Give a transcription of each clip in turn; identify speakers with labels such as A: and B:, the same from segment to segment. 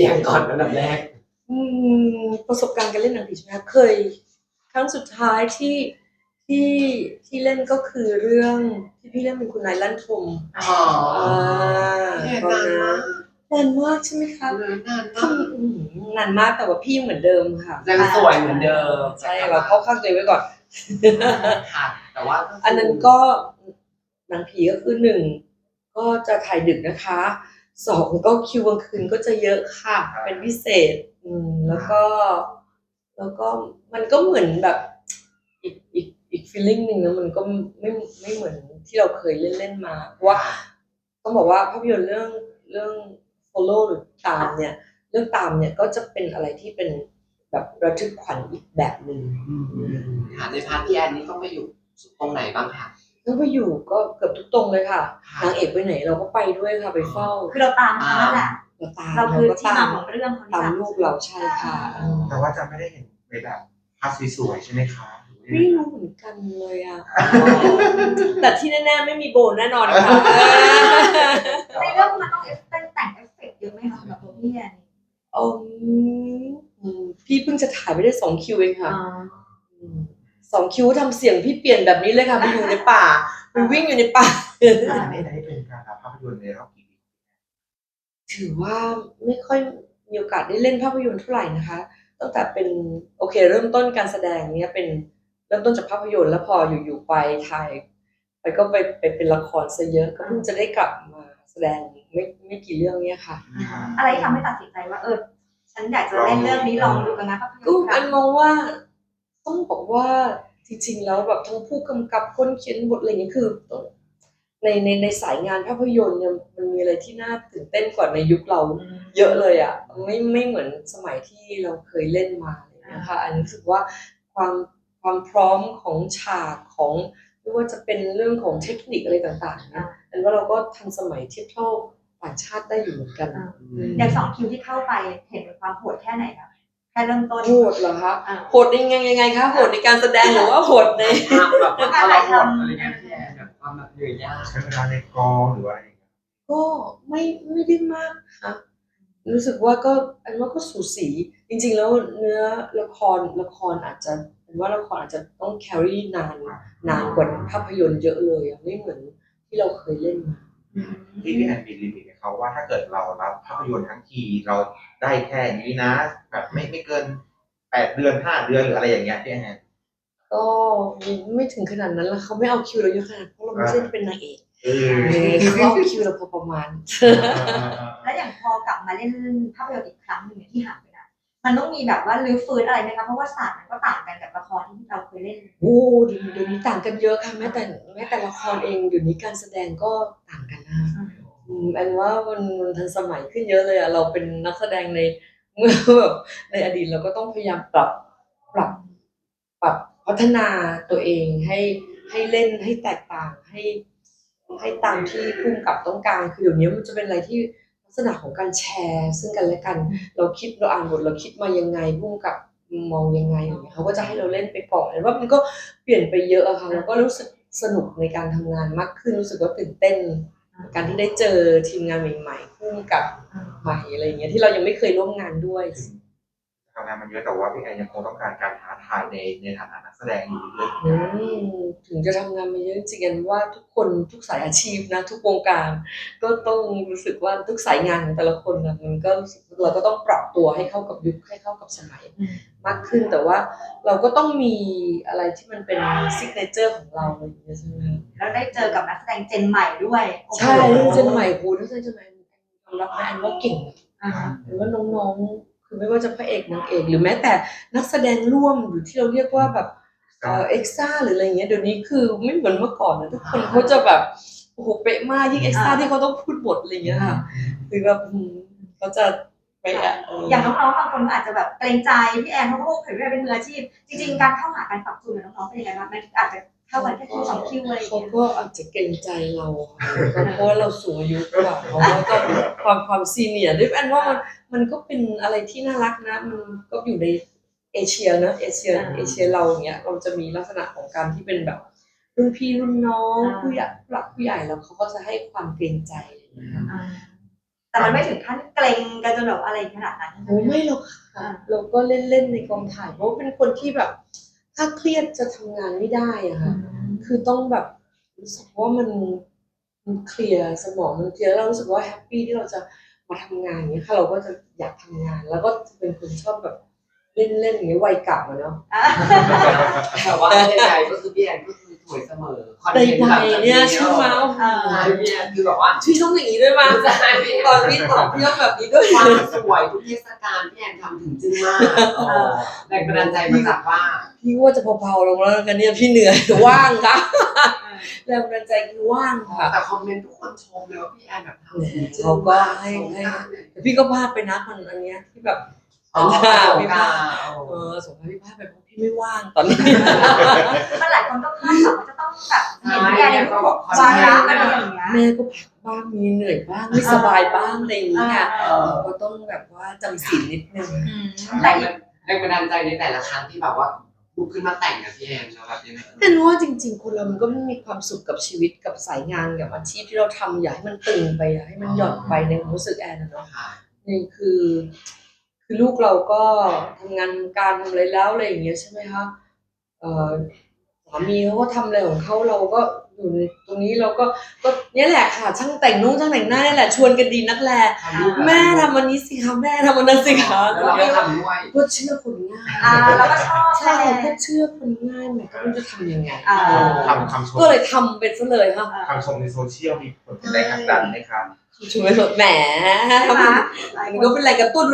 A: สียงก่อนอันดับแรก
B: ประสบการณ์การเล่นหนังผีใช่ไหมคะเคยครั้งสุดท้ายที่ที่เล่นก็คือเรื่องที่พี่เล่นเป็นคุณนายลั่นทมตอนนั้นนานมากใช่ไหมคะนานมากแต่ว่าพี่เหมือนเดิมค่ะ
A: ยังสวยเหมือนเดิม
B: ใช่เราเข้าข้างตัวเองไว้ก่อน
A: ค่ะแต่ว่า
B: อันนั้นก็หนังผีก็คือหนึ่งก็จะถ่ายดึกนะคะสองก็คิวกลางคืนก็จะเยอะค่ะเป็นพิเศษแล้วก็มันก็เหมือนแบบอีก feeling หนึ่งนะมันก็ไม่เหมือนที่เราเคยเล่นมาเพราะว่าต้องบอกว่าภาพยนตร์เรื่อง follow หรือตามเนี่ยเรื่องตามเนี่ยก็จะเป็นอะไรที่เป็นแบบระทึกขวัญอีกแบบหนึ่ง
A: ค่ะในพาร์ทพี่แอนนี่ต้องไปอยู่ตรงไหนบ้างคะ
B: ต้องไปอยู่ก็เกือบทุกตรงเลยค่ะนางเอกไปไหนเราก็ไปด้วยค่ะไปเฝ้า
C: คือเราตามเขานั่นแหละ
B: เรา
C: คือที่มาของเรื่อง
B: ตามลูกเราใช่ค่ะ
D: แต่ว่าจะไม่ได้เห็นในแบบภาพสวยๆใช่ไหมคะ
B: ไม่รู้เหมือนกันเลยอ่ะแต่ที่แน่ๆไม่มีโบนแน่นอนค่ะ
C: ในเรื่องมันต้องแต่งเอฟเฟกต์เยอะไหมคะแบบตัวพี่แอน
B: พี่เพิ่งจะถ่ายไปได้2 คิวเองค่ะ2 คิวทำเสียงพี่เปลี่ยนแบบนี้เลยค่ะไปอยู่ในป่าไปวิ่งอยู่ในป่า
D: ไม่ได้เป็นการภาพยนตร์ในรอบกี่ปี
B: ถือว่าไม่ค่อยมีโอกาสได้เล่นภาพยนตร์เท่าไหร่นะคะตั้งแต่เป็นโอเคเริ่มต้นการแสดงเนี้ยเป็นเริ่มต้นจากภาพยนตร์แล้วพออยู่ๆไปถ่ายไปก็ไปเป็นละครซะเยอะก็เพิ่งจะได้กลับมาแสดงไม่กี่เรื่องเนี้ยค่ะ
C: อะไรที่ทำให้ตัดสินใจว่าฉันอยากจะเล่นเรื่องนี้ลองดูกันนะภาพยนตร์
B: อันมองว่าต้องบอกว่าจริงๆแล้วแบบทั้งผู้กำกับคนเขียนบทอะไรอย่างนี้คือในสายงานภาพยนตร์เนี่ยมันมีอะไรที่น่าตื่นเต้นกว่าในยุคเราเยอะเลยอ่ะไม่เหมือนสมัยที่เราเคยเล่นมาเลยนะคะอันรู้สึกว่าความพร้อมของฉากของไม่ว่าจะเป็นเรื่องของเทคนิคอะไรต่างๆนะอันว่าเราก็ทันสมัยเทียบเท่าต่างชาติได้อยู่เหมือนกัน
C: อย่าง2 คิวที่เข้าไปเห็นความโหดแค่ไหนคะแค่เริ่มต้น
B: โหดเหรอคะโหดยังไงคะโหดในการแสดงหรือว่าโหดใน
A: การถ่ายทำอะไรเงี้ยพี่แอนแบบความแบบเหนื่อยยาก
D: ใช้เวลาในกองหรือว่าอะไร
B: ก็ไม่ได้มากค่ะรู้สึกว่าก็อันว่าก็สูสีจริงๆแล้วเนื้อละครอาจจะเป็นว่าละครอาจจะต้อง carry นานกว่าภาพยนตร์เยอะเลยไม่เหมือนที่เราเคยเล่นมา
D: ที่พี่แอนมีลิมิตเขาว่าถ้าเกิดเรารับภาพยนตร์ทั้งทีเราได้แค่นี้นะแบบไม่เกิน8 เดือน5 เดือนหรืออะไรอย่างเงี้ยพี่แอน
B: ก็ไม่ถึงขนาดนั้นแล้วเขาไม่เอาคิวเราเยอะขนาดเพราะเราไม่ใช่เป็นนางเอกเขาเอาคิวเราพอประมาณ
C: แล้วอย่างพอกลับมาเล่นภาพยนตร์อีกครั้งหนึ่งที่ห่างไปนานมันต้องมีแบบว่ารื้อฟื้นอะไรไหมคะเพราะว่าศาสตร์มันก็ต่างกันกับละครที่เราเคยเล่น
B: โอ้เดี๋ยวนี้ต่างกันเยอะค่ะแม้แต่ละครเองเดี๋ยวนี้การแสดงก็ต่างกันนะอันว่ามันทันสมัยขึ้นเยอะเลยอ่ะเราเป็นนักแสดงในเมื่อแบบในอดีตเราก็ต้องพยายามปรับพัฒนาตัวเองให้เล่นให้แตกต่างให้ตามที่ผู้กำกับต้องการคือเดี๋ยวนี้มันจะเป็นอะไรที่ลักษณะของการแชร์ซึ่งกันและกันเราอ่านบทเราคิดมายังไงผู้กำกับมองยังไงอย่างเงี้ยเขาก็จะให้เราเล่นไปก่อนแล้วว่ามันก็เปลี่ยนไปเยอะอะค่ะแล้วก็รู้สึกสนุกในการทำงานมากขึ้นรู้สึกว่าตื่นเต้นการที่ได้เจอทีมงานใหม่ๆผู้กำกับใหม่อะไรอย่างเงี้ยที่เรายังไม่เคยร่วมงานด้วย
D: ทำงานมันเยอะแต่ว่าพี่แอนยังคงต้องการการท้าทายในฐานะนักแสดงอยู่เรื่อย
B: ถึงจะทำงานมาเยอะจริงๆว่าทุกคนทุกสายอาชีพนะทุกวงการก็ต้องรู้สึกว่าทุกสายงานของแต่ละคนนะมันก็เราก็ต้องปรับตัวให้เข้ากับยุคให้เข้ากับสมัยมากขึ้นแต่ว่าเราก็ต้องมีอะไรที่มันเป็นซิกเนเจอร์ของเราอย่างเงี้ยใช่ไหม
C: แล้วได้เจอกับนักแสดงเจนใหม่ด้วย
B: ใช่เจนใหม่โหนักแสดงเจนใหม่ยอมรับนะอันว่าเก่งอันว่าน้องๆคือไม่ว่าจะพระเอกนางเอกหรือแม้แต่นักแสดงร่วมหรือที่เราเรียกว่าแบบเอ็กซ์ต้าหรืออะไรเงี้ยเดี๋ยวนี้คือไม่เหมือนเมื่อก่อนนะทุกคนเขาจะแบบโอ้โหเป๊ะมากยิ่งเอ็กซ์ต้าที่เขาต้องพูดบทอะไรเงี้ยค่ะคือแบบเขาจะไป
C: อย่างน้องๆบางคนอาจจะแบบเกรงใจพี่แอนเพราะว่าเผยว่าเป็นมืออาชีพจริงๆการเข้าหาการปรับตัวกับน้องๆเป็นยังไงบ้างมันอาจจะเข้ากันแค่2 คิวอะไร
B: เขาก็อาจจะเกรงใจเราเพราะว่าเราสูงอายุกว่าเขาก็ความซีเนียร์ด้วยอันว่ามันก็เป็นอะไรที่น่ารักนะมันก็อยู่ในเอเชียนะเอเชียเราอย่างเงี้ยเราจะมีลักษณะของการที่เป็นแบบรุ่นพี่รุ่นน้องผู้ใหญ่แล้วเขาก็จะให้ความเกรงใจ
C: แต่มันไม่ถึงขั้นเกรงกันจนแบบอะไรขนาดนั้น
B: โอ้ไม่หรอกค่ะเราก็เล่นๆในกองถ่ายเพราะว่าเป็นคนที่แบบ ถ้าเครียดจะทำงานไม่ได้อะค่ะคือต้องแบบรู้สึกว่ามันเคลียร์สมองมันเคลียร์แล้วเรารู้สึกว่าแฮปปี้ที่เราจะมาทำงานอย่างเงี้ยค่ะเราก็จะอยากทำงาน แล้วก็จะเป็นคนชอบแบบเล่นๆอย่างเงี้ยวัยเก่าอะเนาะ
A: แต่ว่าใดๆก็คือพี่แอนก็คือสวยเสมอคอน
B: ใด
A: เทนต์แบบ
B: ๆเนี่ยใช่ไหม
A: ใช่พี่แอนคือแบบว่า
B: พี่ต้องอย่างนี้ด้วยมั้ย
A: ใช่พี่
B: ตอนพี่ตอบพี่ต้องแบบนี้ด้วย
A: ความสวยทุกเทศกาลพี่แอนทำถึงจึ้งมากแรงบันดาลใจมาจากว่า
B: พี่ว่าจะเบาๆลงแล้วกันเนี่ยพี่เหนื่อยว่างค่ะแรงบันดาลใจคือว่างค่ะ
A: แต่คอมเมนต์ทุกคนชมเลยว่าพี่แอนแบบทำถึงจึ้ง
B: เขาก็
A: มาก
B: ให้
A: สงกรานต์เนี่ย
B: แต่พี่ก็พลาดไปนะคนอันเนี้ยที่แบบ
A: อ๋อ
B: พี่พลาดสงกรานต์พี่พลาดไปเพราะพี่ไม่ว่างตอนนี้
C: มันหลายคนก็คาดหวังว่าจะต้องแบบเห็นพี่แอนในรูปแบบวาระอะไรอย่างเงี้ย
B: แม่ก็พักบ้างมีเหนื่อยบ้างไม่สบายบ้างอะไรอย่างเงี้ย
A: เออ
B: ก็ต้องแบบว่าจำศีลนิดนึง
C: แต่
A: แรงบันดาลใจในแต่ละครั้งที่แบบว่าลุกขึ้นมาแต่งกับพี่แอนแล้วแบบยังไง
B: แต่รู้ว่าจริงๆคนเรามันก็ไม่มีความสุขกับชีวิตกับสายงานกับอาชีพที่เราทำอย่าให้มันตึงไปอย่าให้มันหย่อนไปในความรู้สึกแอนนะเนาะ
A: ค่ะ
B: นี่คือลูกเราก็ทำงานการทำอะไรแล้วอะไรอย่างเงี้ยใช่ไหมคะสามีเขาก็ทำอะไรของเขาเราก็อยู่ในตรงนี้เราก็เนี่ยแหละค่ะช่างแต่งนุ่งช่างแต่งหน้าเนี่ยแหละชวนกันดีนักแลแม่ทำวันนี้สิคะแม่ทำวันนั้นสิคะ
A: แล้วเราก็ทำด้วย
B: ก็เชื่อคนง่าย
C: แล้วก็ชอบ
B: ใช่ก็เชื่อคนง่ายมันก็ไม่รู้จะทำยังไง
D: คำชม
B: ก็เลยทำเป็นซะเลยค่ะ
D: คำชมในโซเชียลมีผลเป็นแรงผลักดันไหมครับ
B: ช่วยแหมมันก็เป็นแรงกระตุ้น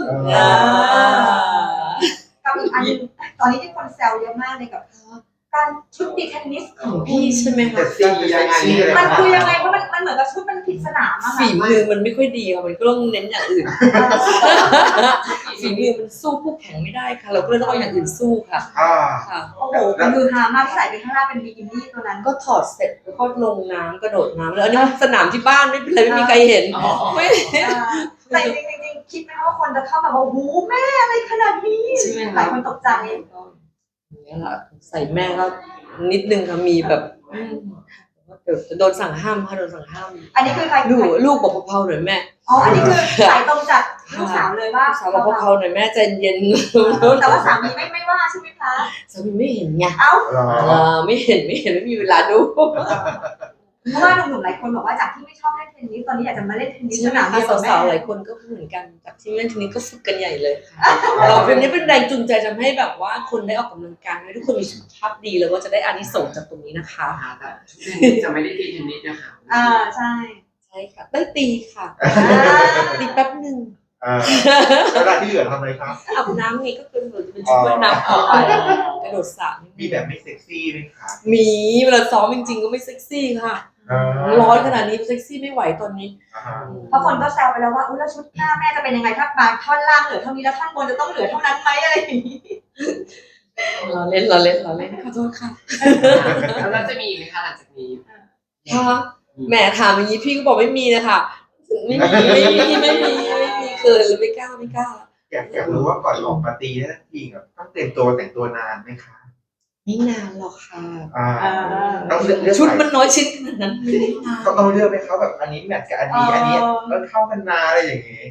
C: กับอีกอันนึงตอนนี้ที่คนแซวเยอะมากเลยกับการชุดตีเทนนิสของ
B: พี่
C: พี่
B: ใช่ไหมคะ
D: แต่ซียังไง
C: มันคือยังไงเพราะมันเหมือนกับชุดมันผิดสนามอะ
B: ฝีมือมันไม่ค่อยดีค่ะมันก็ต้องเน้นอย่างอื่น ฝีมือมันสู้คู่แข่งไม่ได้ค่ะ เราก็เลยต้องเอาอย่างอื่นสู้ค่ะ ค่ะ
C: โอ้โหมันคือฮามากที่ใส่ไปข้างล่างเป็นบิกินี่ตัวนั้น
B: ก็ถอดเสร็จแล้วก็ลงน้ำกระโดดน้ำแล้วอันนี้สนามที่บ้านไม่เป็นไรไม่มีใครเห็นไม่
C: แต่จริงๆคิดไหมคะว่าคนจะเข้ามาบอกโอ้โหแม่อะไรขนาดนี้
B: ใช่ไหม
C: หลายคนตกใจ
B: อย่างเงี้ยล่ะใส่แม่ก็นิดนึงค่ะมีแบบเดี๋ยวจะโดนสั่งห้ามค่ะโดนสั่งห้าม
C: อันนี้คือใคร
B: ลูกบอกเผาๆหน่อยแม่
C: อ๋ออันนี้คือสายตรงจากลูกสาวเลยว่า
B: สาวบอกเผาๆหน่อยแม่ใจเย็น
C: แต่ว่าสามีไม่ว่าใช่ไหมคะ
B: สามีไม่เห็นไง
C: เอ้า
B: ไม่เห็นไม่มีเวลาดู
C: เพราะว่าหนุ่มๆหลายคนบอกว่าจากที่ไม่ชอบเล่นเทนนิสตอนนี้อยากจะมาเล่นเทนนิส
B: ใช่
C: ส
B: ไหม
C: นาม
B: คะ
C: เดียวกับ
B: สาวๆห
C: แม่
B: ลายคนก็เหมือนกันจากที่เล่นทีนี้ก็ฝึกกันใหญ่เลยค่ะเราเป็นนี้เป็นแรงจูงใจทำให้แบบว่าคนได้ออกกำลังกายให้ทุกคนมีสุขภาพดีแล้วก็จะได้อานิสงส์จากตรงนี้นะคะ
A: แต่ชุดเทนนิสจะไม่ได้ตีเทนนิสนะคะ
C: ใช่
B: ใช่ค่ะได้ตีค่ะตีแป๊บหนึ่ง
D: เวลาที่เหลือทำอะไรครับ
B: อาบน้ำนี่ก็คือเหมือนจะเป็นชุดว่ายน้ำออกไปกระโดดสระ
D: มีแบบไม่เซ็กซี่ไหมครับ
B: มีเวลาซ้อมจริงๆก็ไม่เซ็กซี่ค่ะร้อนขนาดนี้เซ็กซี่ไม่ไหวตอนนี้
C: เพราะคนก็แซวไปแล้วว่าอุ้ยแล้วชุดหน้าแม่จะเป็นยังไงถ้าบางท่อนล่างเหลือเท่านี้แล้วท่อนบนจะต้องเหลือเท่านั้นไหมอะไรอย่างนี้
B: เราเล่นขอโทษค่ะ
A: แล้วเราจะมีไหมคะหลังจากนี้
B: ค่ะแหมถามอย่างนี้พี่ก็บอกไม่มีนะคะไม่มีเกินหรือไม่กล้า
D: อยากรู้ว่าก่อนออกมาตีนั่นทีแบบต้องเตรียมตัวแต่งตัวนานไหมคะ
B: ไม่นานหรอกค่ะ
D: ต้องเลือก
B: ชุดมันน้อยชิ้นขนาดนั้นไม่ได้นาน
D: ต้องเลือกไหมเขาแบบอันนี้แมทกับอันนี้มันเข้ากันนาอะไรอย่างนี้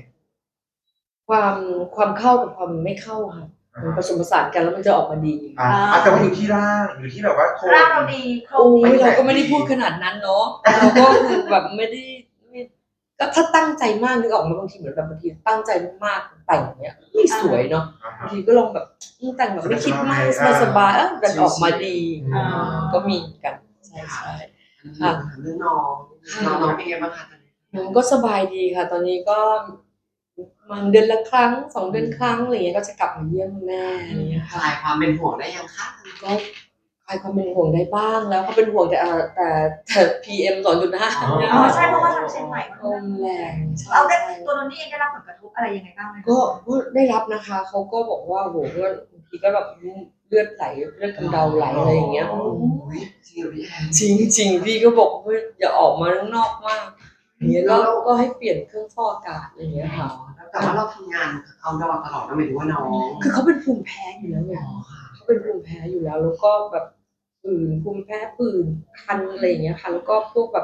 B: ความเข้ากับความไม่เข้าค่ะมันผสมผสานกันแล้วมันจะออกมาดี
D: แต่ว่าอยู่ที่ร่างอยู่ที่แบบว่าโค
C: ร่างเราดีโคร
B: โอ้
C: งดี
B: ยเราก็ไม่ได้พูดขนาดนั้นเนาะเราก็คือแบบไม่ก็ถ้าตั้งใจมากนึกออกมาบางทีเหมือนแบบบางทีตั้งใจมากแต่งเนี้ยไม่สวยเนาะบางทีก็ลองแบบแต่งแบบไม่คิดมากสบายมันออกมาดีก็มีกันใช่
A: เรื่องน้องเป็นไงบ้างคะตอนนี้
B: มันก็สบายดีค่ะ ตอนนี้ก็มันเดือนละครั้ง2 เดือนครั้งอะไรเงี้ยก็จะกลับมาเยี่ยมแม่อะไรเงี้ย
A: ค
B: ค่ะ
A: ลายความเป็นห่วงได้ยังคะ
B: ก็คลายความเป็นห่วงได้บ้างแล้วเขาเป็นห่วงแต่ PM 2.5เนี่ย
C: ใช่เพราะว่าทางเชียงใหม่มัน
B: ลมแรง
C: เอาได้ตัวนนนี่เองได้รับผลกระทบอะไรยังไงบ้างไหม
B: ก็ได้รับนะคะเขาก็บอกว่าโหว่าบางทีก็แบบเลือดไหลเลือดกำเดาไหลอะไรอย่างเงี้ย
A: จริงพี่แอน
B: จริงพี่ก็บอกว่าอย่าออกมาข้างนอกมากอย่างเงี้ยก็ให้เปลี่ยนเครื่องฟอกอากาศอะไรอย่างเงี้ยค่ะ
A: แต่ว่าเราทำงานเอาดอตลอดนะหมายถึงว่าน้อง
B: คือเขาเป็นภูมิแพ้อยู่แล้วไงเขาเป็นภูมิแพ้อยู่แล้วแล้วก็แบบผื่นภูมิแพ้ผื่นคันอะไรอย่างเงี้ยค่ะแล้วก็พวกแบบ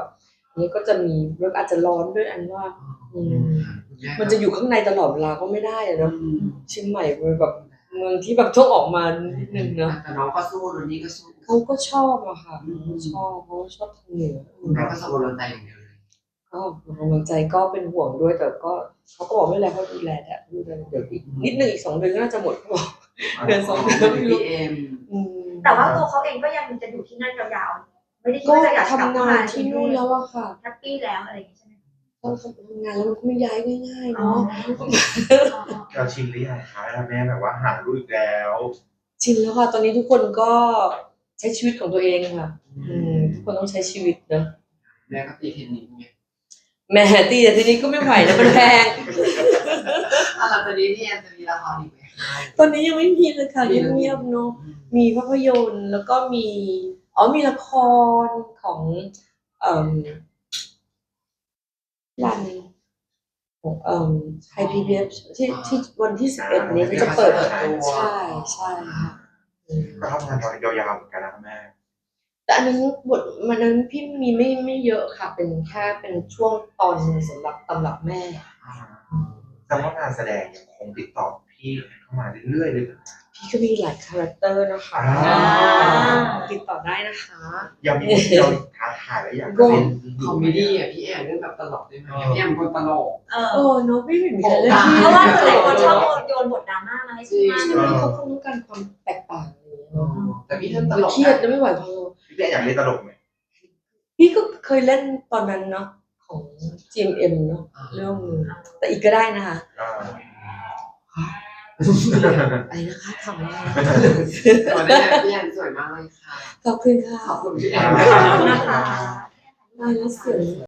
B: อันนี้ก็จะมีแล้วอาจจะร้อนด้วยอันว่า มันจะอยู่ข้างในตลอดเวลาก็ไม่ได้อะเนาะเชียงใหม่เป็นแบบเมืองที่แบบต้องออกมานิดนึงเนาะ
A: แต่น้องก็สู้รุ่นนี้ก็สู้
B: เขาก็ชอบอะค่ะเขาชอบทางเหนือ
A: คุณแม่ก็สู้รุ่นใจอย่างเดียวเลย
B: ก็กำลังใจก็เป็นห่วงด้วยแต่ก็เขาก็บอกไม่เป็นไรเขาดูแลแต่ดูแลเดี๋ยวอีกนิดนึงอีก2 เดือนก็น่าจะหมดเขาบอกเดือน2 เดือนไม่รู้
A: พี่เอ็ม
C: แต่ว่าตัวเขาเองก็ยังจะอยู่ที่นั่นยาวๆไม่ได้คิด
B: ก็
C: ว่าจะอยากกลับ
B: ทำงานที่นู่นแล้วอะค่ะ
C: แฮปปี้แล้วอะไรอย่างงี้ใช่ไหม
B: ตอนทำงานแล้วมันก็ไม่ย้ายง่ายๆ
C: อ๋อ
B: เนาะ
D: เราชินหรือยังคะแม่แบบว่าหาลูกอีกแล้ว
B: ชินแล้วค่ะตอนนี้ทุกคนก็ใช้ชีวิตของตัวเองค่ะทุกคนต้องใช้ชีวิตเนอะ
A: แม่ก็ตีเทนนิสไง
B: แหม่ตีแต่ทีนี้ก็ไม่ไหวนะมันแพง
A: หลังจากนี้พี่แอนจะมีละครอีกไหม
B: ตอนนี้ยังไม่มีเลยค่ะเงียบๆเนาะมีภาพยนตร์แล้วก็มีละครของรันของไทย PBS ที่วันที่11นี้จะเปิดใช่ค่ะ
D: ก็ทำงานยาวๆเหมือนกันนะแม่
B: แต่อันนั้นบทมันนั้นพี่มีไม่เยอะค่ะ เป็นแค่เป็นช่วงตอนสำหรับตำรับแม่
D: แต่ว่างานแสดงยังคงติดต่อพี่เข้ามาเรื่อยๆเลย
B: พี่ก็มีหลายคาแรคเตอร์นะคะ
D: อ่า
B: ติดต่อได้นะคะ
D: ยังมีคนที่เราท้าทายและอยากจะเล่น
A: คอมเมดี้อ่ะพี่แอนเรื่องแบบตลกได้ไหมพี่แอนคนตลก
B: เนาะพี่ไม่มีใครเล่น
C: เพราะว่าหลายคนชอบโยนบทดราม่ามาให้พี่มาก
B: ใช่ไหมเขาคงต้องการความแตกต่างอะไรอย่างเงี้ยเนาะ
A: แต่พี่ท่านตลก
B: เครียดนะไม่ไหวพอ
D: พี่อยากเล่นตลกไหม
B: พี่ก็เคยเล่นตอนนั้นเนาะของ GMM เนาะเรื่องนึงแต่อีกก็ได้นะคะ
D: อ่า
B: อะไรนะคะทำอะไร
A: สวยได้พี่แอนสวยมากเลยค่ะ
B: ขอบคุณค่ะ
A: ขอบคุณพี่แอ
C: ขอบคุณ
A: น
C: นะคะ
B: ได้แล้วเสียง